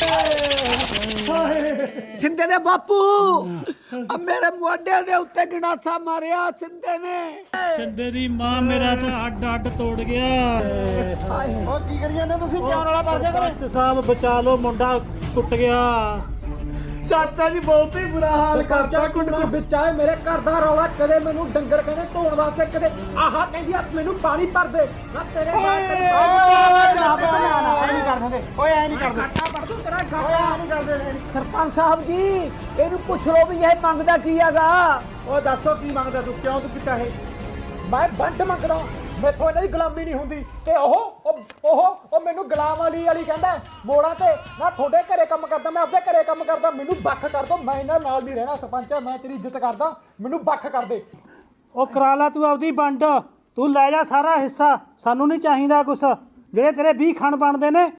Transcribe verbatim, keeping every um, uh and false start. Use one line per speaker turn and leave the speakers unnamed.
ਸਿੰਦੇ ਦੇ ਬਾਪੂ ਆ ਮੇਰੇ ਮੋਢੇ ਦੇ ਉੱਤੇ ਗੰਡਾਸਾ ਮਾਰਿਆ ਸਿੰਦੇ ਨੇ।
ਸਿੰਦੇ ਦੀ ਮਾਂ ਮੇਰਾ ਤਾਂ ਅੱਡ ਅੱਡ ਤੋੜ ਗਿਆ।
ਉਹ ਕੀ ਕਰੀ ਜਾਂਦੇ ਤੁਸੀਂ? ਕਿਉਂ ਵਾਲਾ ਕਰ ਗਿਆ ਕਰੇ?
ਸਾਹਿਬ ਬਚਾ ਲਓ, ਮੁੰਡਾ ਟੁੱਟ ਗਿਆ।
ਚਾਚਾ ਜੀ ਬਹੁਤ ਹੀ ਬੁਰਾ ਹਾਲ ਕਰਤਾ।
ਕੁੰਡਾ ਵਿੱਚ ਆਏ ਮੇਰੇ ਘਰ ਦਾ ਰੌਲਾ। ਕਦੇ ਮੈਨੂੰ ਡੰਗਰ ਕਹਿੰਦੇ ਧੋਣ ਵਾਸਤੇ, ਕਦੇ ਆਹਾ ਕਹਿੰਦੀ ਆ ਮੈਨੂੰ ਪਾਣੀ ਭਰ ਦੇ। ਮੈਂ ਤੇਰੇ ਬਾਅਦ ਤੇਰੇ
ਨਾ ਪਤਾ ਨਾ ਨਾ ਐ ਨਹੀਂ ਕਰਦੇ ਓਏ, ਐ ਨਹੀਂ ਕਰਦੇ
ਘਾਟਾ ਭਰ ਦੂੰ ਤੇਰਾ
ਓਏ,
ਘਾਟਾ।
ਐ ਨਹੀਂ ਕਰਦੇ।
ਸਰਪੰਚ ਸਾਹਿਬ ਜੀ ਇਹਨੂੰ ਪੁੱਛ ਲਓ ਵੀ ਇਹ ਮੰਗਦਾ ਕੀ ਹੈਗਾ।
ਓ ਦੱਸੋ ਕੀ ਮੰਗਦਾ ਤੂੰ? ਕਿਉਂ ਤੂੰ ਕੀਤਾ ਇਹ?
ਮੈਂ ਬੰਟ ਮੰਗਦਾ, ਮੈਥੋਂ ਇਹਨਾਂ ਦੀ ਗੁਲਾਮੀ ਨਹੀਂ ਹੁੰਦੀ। ਤੇ ਉਹ ਉਹ ਉਹ ਮੈਨੂੰ ਗੁਲਾਮ ਵਾਲੀ ਵਾਲੀ ਕਹਿੰਦਾ ਮੋੜਾਂ ਤੇ ਨਾ ਤੁਹਾਡੇ ਘਰੇ ਕੰਮ ਕਰਦਾ, ਮੈਂ ਆਪਦੇ ਘਰੇ ਕੰਮ ਕਰਦਾ, ਮੈਨੂੰ ਵੱਖ ਕਰ ਦੋ। ਮੈਂ ਇਹਨਾਂ ਨਾਲ ਨਹੀਂ ਰਹਿਣਾ ਸਰਪੰਚ, ਮੈਂ ਤੇਰੀ ਇੱਜ਼ਤ ਕਰਦਾ, ਮੈਨੂੰ ਵੱਖ ਕਰ ਦੇ।
ਉਹ ਕਰਾ ਲਾ ਤੂੰ ਆਪਦੀ ਵੰਡ, ਤੂੰ ਲੈ ਜਾ ਸਾਰਾ ਹਿੱਸਾ, ਸਾਨੂੰ ਨਹੀਂ ਚਾਹੀਦਾ ਕੁਛ। ਜਿਹੜੇ ਤੇਰੇ ਵੀਹ ਖਣ ਬਣਦੇ ਨੇ